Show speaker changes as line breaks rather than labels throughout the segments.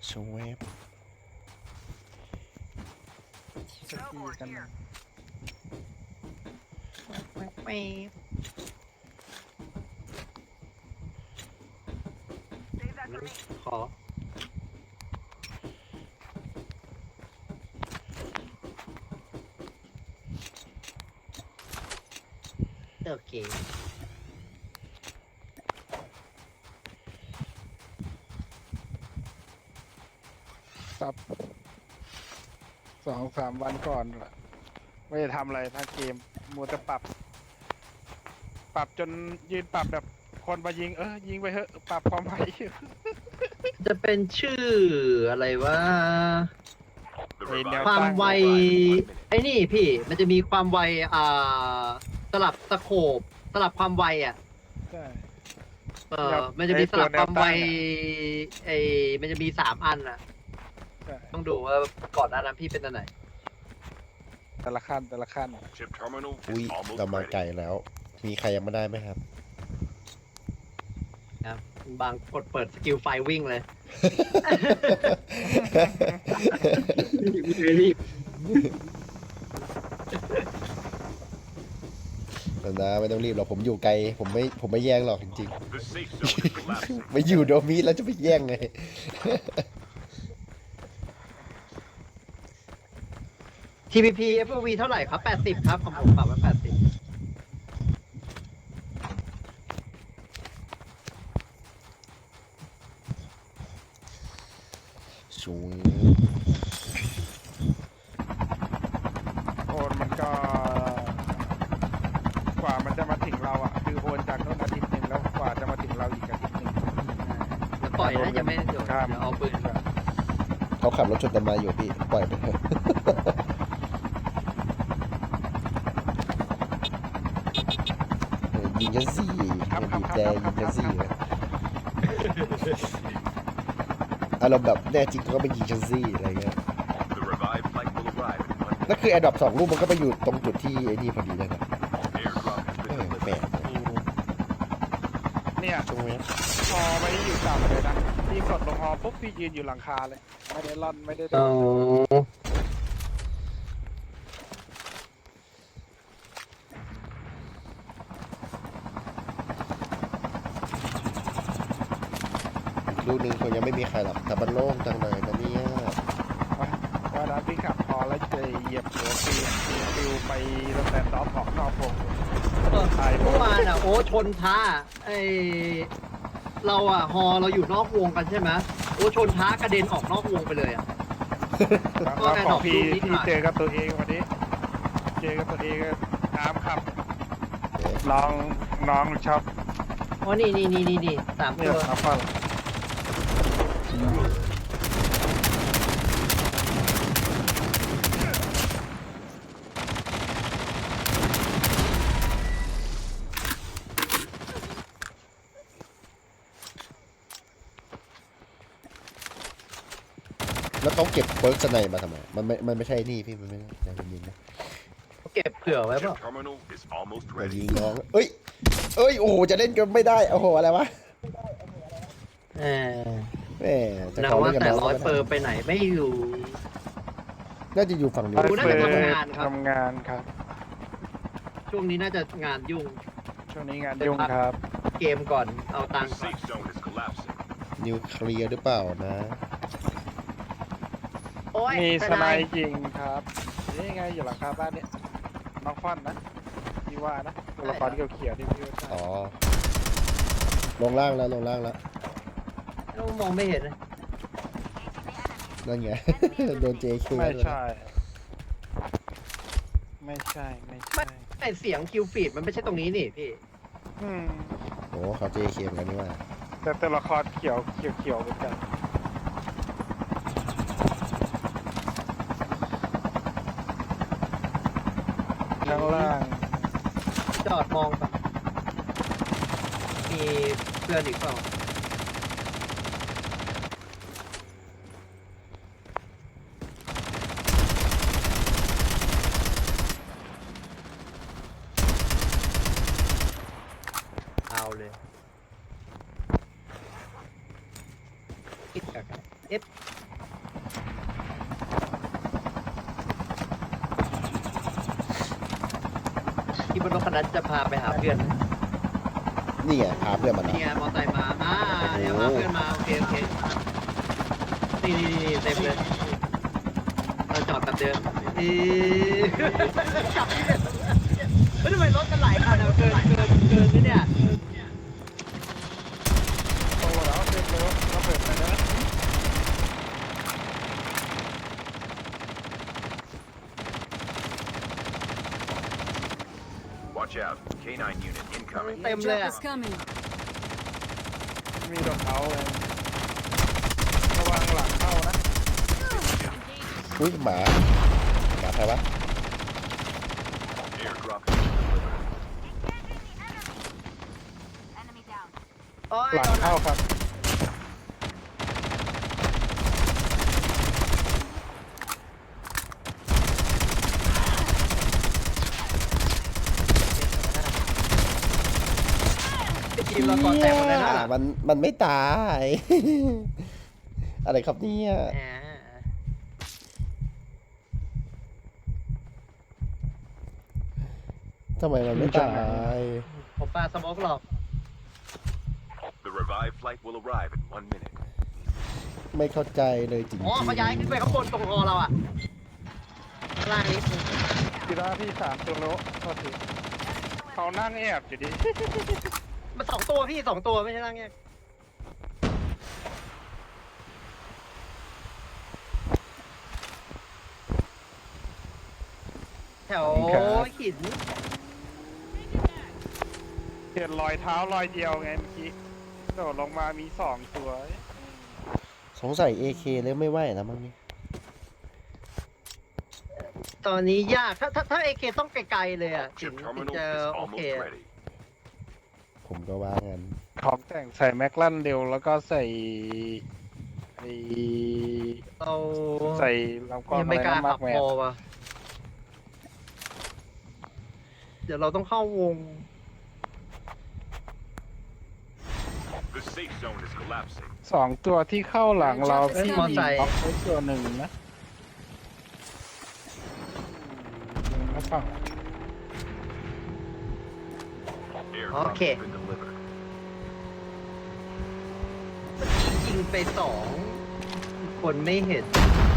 ชเวฟ
สกีกันนะ
ไม่ขอโอเค
ครับ2-3 วันก่อนไม่ได้ทำอะไรทั้งเกมมัวแต่ปรับจนยืนปรับแบบคนมายิงยิงไปเถอะปรับความไว
จะเป็นชื่ออะไรวะ
ไอ้แนว
ความ
ตั้ง
ไวไอ้นี่พี่มันจะมีความไวสลับสโคปสลับความไว
ใช่
มันจะมีสลับความไว
ไอ้ตัวแนวตั้ง
มันจะมี3 อัน
ใช่
ต้องดูว่าก่อนหน้านั้นพี่เป็นอันไหน
แต่ละขั้น
อุ้ยเรามาไกลแล้ว มีใครยังไม่ได้ไหมครับ
ครับบางกดเปิดสกิลไฟวิ่งเลยรีบ
นะไม่ต้องรีบหรอกผมอยู่ไกลผมไม่แย่งหรอกจริงๆ ไม่อยู่โดมิแล้วจะไปแย่งไง
TPP FOV เท่าไหร่ครับ80ครับของผมปรับไว้80
ชู
โอนมันก็ กว่ามันจะมาถึงเราคือโอนจากโน้นอาทิตย์หนึ่งแล้วกว่าจะมาถึงเราอีกอาทิตย์หนึ่ง
แล้วปล่อยนะยังไม่เดี๋ยวเอาปืน
เขาขับรถชนต้นไม้อยู่พี่ปล่อยไปเถอะยิงฉันสิบีบแจยิงฉันสิอารมณ์แบบแน่จริงก็ไปยิงฉันสิอะไรเงี้ยแล้วคือแอดดอป2 ลูกมันก็ไปอยู่ตรงจุดที่ไอ้นี่พอดีเลยนะแปลก
เนี่ย
ตรงนี้
พอไม่อยู่ต่ำเลยนะพี่กดลงฮอปุ๊บพี่ยืนอยู่หลังคาเลย ไม่ได้ล่อนไม่ได้โด
อ๋อน
ลูกนึงคงยังไม่มีใครหรอกแต่มันโล่งจังเลยนะเนี่ย
ว่านั้นพี่ขับพอแล้วจะเหยียบหัวฟิวไปตั้งแต่ดอฟออกนอกวง
เมื่อวานโอ้ชนท้าเราฮอเราอยู่นอกวงกันใช่ไหมโอ้ชนท้ากระเด็นออกนอกวงไปเลย
แล้วของพี่เจอกับตัวเองวันนี้ เจอกับตัวเองน้ำขับน้องชอบ
อ๋อนี่3
เนี่
ตั
ยว ครับพ่อ
แล้วเขาเก็บเบิร์กสไนมาทำไมมันไม่ใช่นี่พี่มันไม่ใช่ยิงนะ
เก็บเผื่อไว้เปล่า
มายิงน้องเอ้ยโอ้โหจะเล่นกันไม่ได้โอ้โหอะไรวะแหมจะ
นะ
ขอ
ว่า
เล่นกับ
แต่
น้อง
ร้อยเปอร์ไปไหนไม่อยู่
น่าจะอยู่ฝั่งนู้น
น่าจะทำงานครับ
ทำงานครับ
ช่วงนี้น่าจะงานยุ่ง
ช่วงนี้งานยุ่งครับ
เกมก่อนเอาตังค์ก่อน
นิวเคลียร์หรือเปล่านะ
โอ้ย
มี
ไป
ส
ไห
ไน
น
จริงครับนี่ไงอยู่หลังคาบ้านเนี่ยน้องฟอนนะพี่ว่านะตัวละครเขียวๆที่พี่ว่า
อ๋อลงล่างแล้ว
มองไม่เห็นเลย
นั่นไง โดน JK
ไม่ใช่ ไม่ใช่
ไอเสียงคิวฟีดมันไม่ใช่ตรงนี้นี่พี่
อืม
โอ้เขา JK เหมือนกันนี่ว่า
แต่ตัวละครเขียวเหมือนกันข้างล่าง
จอดมองก่อนมีเพื่อนอีกเปล่าเอาเลยเอฟคนนั้นจะพาไปหาเพื่อน
นี่ไงพาเพื่อนมา
นี่
เนาะ
ไงมอไซค์มาเนี่ยพาเพื่อนมาโอเคนี่เต็มเลยเราจอดแบบเดิมจับไม่ทำไมรถกันหลายคันเกินนี่เนี่ย
โตแล้วเต็มเลยเราเปิดไปแล้ว
Watch out. K9 unit incoming.
เต็มเลย
Airdrop
อ่ะ
is coming.
มีดอกเขาเลยระวังหลังเข้านะ
อุ้ยหมาใครวะ
Airdrop has been delivered.
Enemy down.
โอ้ย
หลังเข้าครับ
ทีมเราก่อนแตกหมดเลยนะ
มันไม่ตาย อะไรครับเนี่ย
แหม
ทำไมมันไม่ตาย
ผมปาสโมกหรอก
The revived flight will arrive in 1 minute.
ไม่เข้าใจเลยจริง
อ๋อเขาย้ายขึ้นไปข้างบนตรงคอเราอ่ะข้างล่างนี้
กีฬาพี่3ตัวโลโทษทีเขานั่งแอบอยู่ดิ
มันสองตัวพี่สองตัวไม่ใช่ล่างเนี่ยแถวหิน
เห็นรอยเท้ารอยเดียวไงเมื่อกี้โดดลงมามี2ตัว
สงสัย AK เลยไม่ไหวแล้วมั้งนี่
ตอนนี้ยากถ้าเอเคต้องไกลๆเลยอ่ะถึง
Chip terminal
จะ
is
โอเค
almost ready.
ผมก็ว่างั้น
ของแต่งใส่แม็กลันเร็วแล้วก็ใส่ไอ้
เรา
ใส่ลำกล้อง
ยัง
อะไร
ไม่กล้า
นะมา
ขั
ก
บ
แม
พ
น
อว่ะเดี๋ยวเราต้องเข้าวง
The safe zone is collapsing.
2ตัวที่เข้าหลังเรา
เอ้ย
ที่
มอไซค์
ล็อกไว้ตัวหนึ่งนะแล้วฝั่ง
Airdrop
Okay.
has been delivered.
เมื่อกี้ยิงไปสองคนไม่เห็น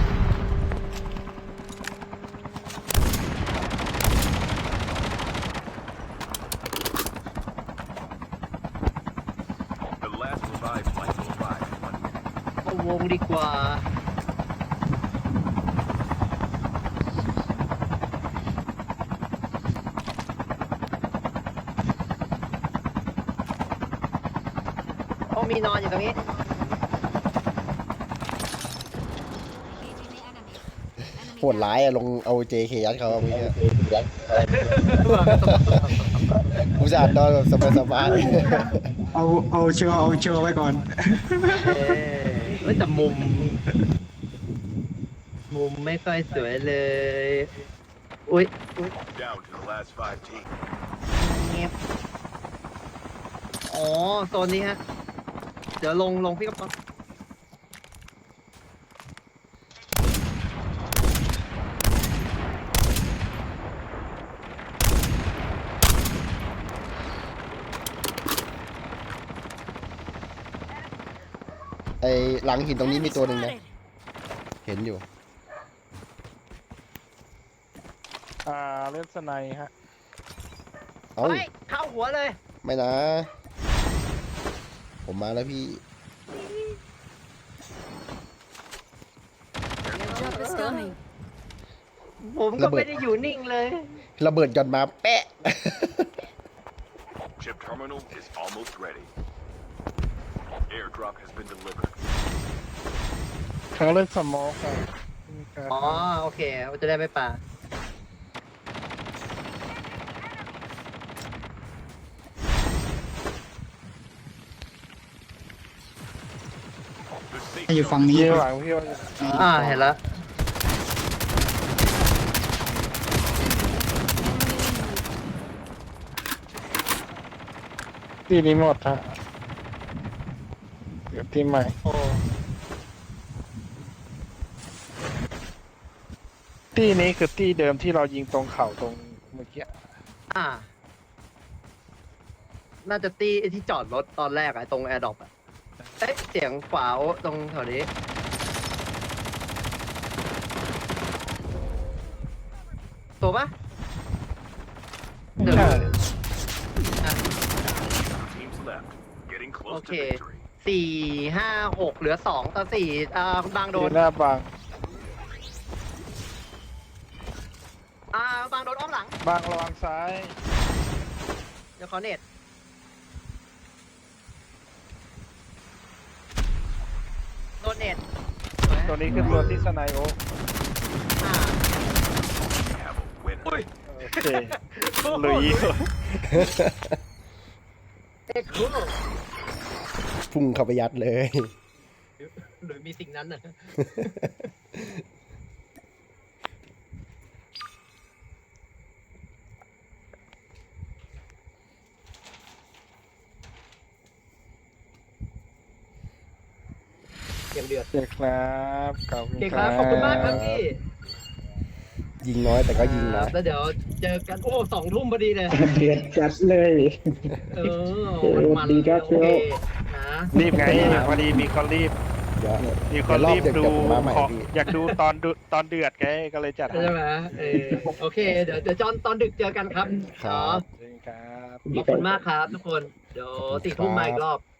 The last revived flight will arrive in 1 minute.
เข้าวงดีกว่า โอ้มีนอนอยู่ตรงนี้
Engaging the enemy. Enemy
โหดร้ายอะลงเอา JK ยัดเขาเมื่อกี้กูจะอ่านนอนแบบสบาย
เอาเชือกไว้ก่อน
เฮ้ยแต่มุมไม่ค่อยสวยเลย อุ้ย
Down to the last 5 teams.
เงียบอ๋อโซนนี้ฮะ เดี๋ยวลงพี่กระป๋อง
ๆไอหลังหินตรงนี้มีตัวหนึ่งนะ เห็นอยู่
เล่นสไนฮะ
เอ้า
เฮ้ยเข้าหัวเลย
ไม่นะ ผมมาแล้วพี่
Airdrop is coming.
ผมก็ไม่ได้อยู่นิ่งเลย
ระเบิดหย่อนมาแปะ
Chip terminal is almost ready. Airdrop has been delivered.
เขาเล่นสโมกอะ
อ๋อ โอเคจะได้ไม่ป่า
The safe
ให้อยู่
zone
ฝั่งนี้
เยี่ยหลังพี่ว่า
เห็นแล้ว
ที่นี้หมดฮะเดี๋ยวที่ใหม่
โอ้
ที่นี้คือที่เดิมที่เรายิงตรงเข่าตรงเมื่อกี้
อ่าน่าจะตีไอ้ที่จอดรถตอนแรกอะตรงแอร์ดรอปอะเอ๊ะเสียงขวาตรงแถวนี้ตัวปะเดี๋ยว
ใช่
อ่ะ
Teams left. Getting
โอ
close
เค
to victory.
4 5 6เหลือ2 ต่อ 4คุณบางโด
โด
น
นหน้าบาง
บางโดนอ้อมหลัง
บางระวังซ้าย
เดี๋ยวขอเน็ตโดนเน็ตสวย
ตัวนี้คือตัวที่สไนโอ
อ่า
Have a win.
โอเคลุย
เอ็กซ์คูล
พุ่งเข้าไปยัดเลย
หรือมีสิ่งนั้นน่ะ อย่างเดือด
โอเคครับขอบคุ
โอ
ณ
เค
ค
ค
รั
รับ บ ขอบคุณมากครับพี่
ยิงน้อยแต่ก็ยิงนะ
แล้วเดี๋ยวเจอกัน โอ้2 ทุ่มพอดีเลย
เดือดจัดเลย
เออมัน
ดีครับ
โอเคนะ
รีบไงพอดีมีคนรีบ
เดี๋ยว
มีค
เดี๋ย
น
วรอบ
รีบ
เดี๋ยว
ดู
ผมมาใหม่
ของ
พี่
อยากดูตอนเดือดไงก็เลยจัดให้
ใช่ไหมโอเค เดี๋ยวจอนตอนดึกเจอกันครับ
ครับ
จริงครับ
ขอบคุณมากครับทุกคน เดี๋ยว4 ทุ่มมาอีกรอบ